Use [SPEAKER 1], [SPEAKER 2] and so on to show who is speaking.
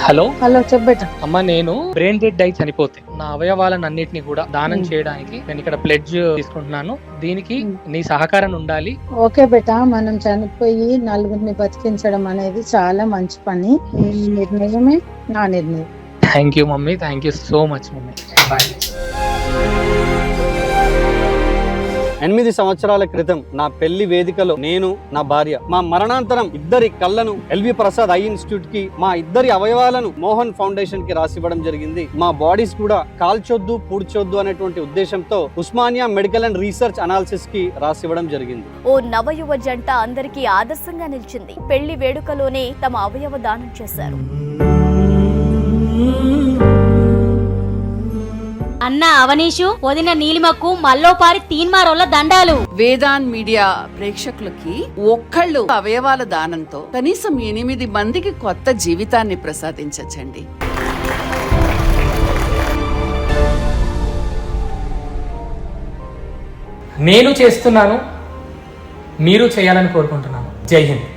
[SPEAKER 1] Hello
[SPEAKER 2] hello చెప్పేట.
[SPEAKER 1] అమ్మ, నేను brain dead అయి చనిపోతే నా అవయవాలన్నిటిని కూడా దానం చేయడానికి నేను ఇక్కడ ప్లెడ్జ్ తీసుకుంటున్నాను. దీనికి నీ సహకారం ఉండాలి.
[SPEAKER 2] ఓకే బేటా, మనం చనిపోయి నలుగురిని బతికించడం అనేది చాలా మంచి పని. ఈ నిర్ణయమే నా నిర్ణయం.
[SPEAKER 1] Thank you mummy, thank you so much mummy. Bye.
[SPEAKER 3] 8 సంవత్సరాల క్రితం నా పెళ్లి వేదికలో నేను, నా భార్య, మా మరణాంతరం ఇద్దరి కళ్ళను ఎల్వి ప్రసాద్ ఐ ఇన్స్టిట్యూట్ కి, మా ఇద్దరి అవయవాలను మోహన్ ఫౌండేషన్ కి రాసివ్వడం జరిగింది. మా బాడీస్ కూడా కాల్చొద్దు పూడ్చొద్దు అనేటువంటి ఉద్దేశంతో Osmania medical and research analysis కి రాసివ్వడం జరిగింది.
[SPEAKER 4] ఓ నవయువ జంట అందరికీ ఆదర్శంగా నిలిచింది. పెళ్లి వేడుకలోనే తమ అవయవ దానం చేశారు.
[SPEAKER 5] అన్న అవనీషు, వదిన నీలిమకు మల్లోపారి తీన్మారోళ్ళ దండాలు.
[SPEAKER 6] వేదాన్ మీడియా ప్రేక్షకులకి ఒక్కళ్ళు అవయవాల దానంతో కనీసం 8 మందికి కొత్త జీవితాన్ని ప్రసాదించండి.
[SPEAKER 1] నేను చేస్తున్నాను, మీరు చేయాలని కోరుకుంటున్నాను. జై హింద్.